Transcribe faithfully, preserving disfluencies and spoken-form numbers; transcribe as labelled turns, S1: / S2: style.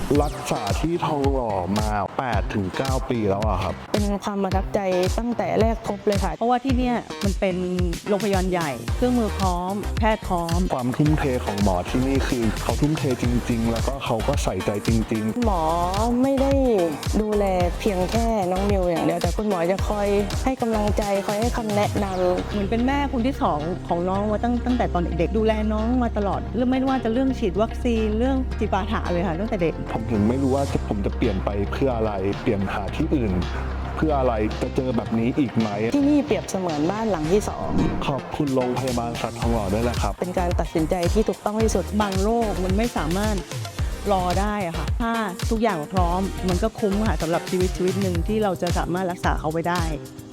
S1: รักษาที่ทองหล่อมา แปดถึงเก้า ปีแล้วอะครับ
S2: เป็นความประทับใจตั้งแต่แรกพบเลยค่ะ
S3: เพราะว่าที่เนี่ยมันเป็นโรงพยาบาลใหญ่เครื่องมือพร้อมแพทย์พร้อม
S1: ความทุ่มเทของหมอที่นี่คือเขาทุ่มเทจริงๆแล้วก็เขาก็ใส่ใจจริง
S2: ๆหมอไม่ได้ดูแลเพียงแค่น้องมิวอย่างเดียวแต่คุณหมอจะคอยให้กำลังใจคอยให้คำแนะนำ
S3: เหมือนเป็นแม่คนที่สองของน้องมาตั้งตั้งแต่ตอนเด็กๆดูแลน้องมาตลอดเรื่องไม่ว่าจะเรื่องฉีดวัคซีนเรื่องจิปาถะเลยค่ะตั้งแต่เด็ก
S1: ผมถึงไม่รู้ว่าผมจะเปลี่ยนไปเพื่ออะไรเปลี่ยนหาที่อื่นเพื่ออะไรจะเจอแบบนี้อีกไหม
S2: ที่นี่เปรียบเสมือนบ้านหลังที่สอง
S1: ขอบคุณโรงพยาบาลสัตว์ทองหล่อด้วยนะครับ
S2: เป็นการตัดสินใจที่ถูกต้องที่สุด
S3: บางโรคมันไม่สามารถรอได้อะค่ะถ้าทุกอย่างพร้อมมันก็คุ้มค่ะสำหรับชีวิตชีวิตหนึ่งที่เราจะสามารถรักษาเขาไว้ได้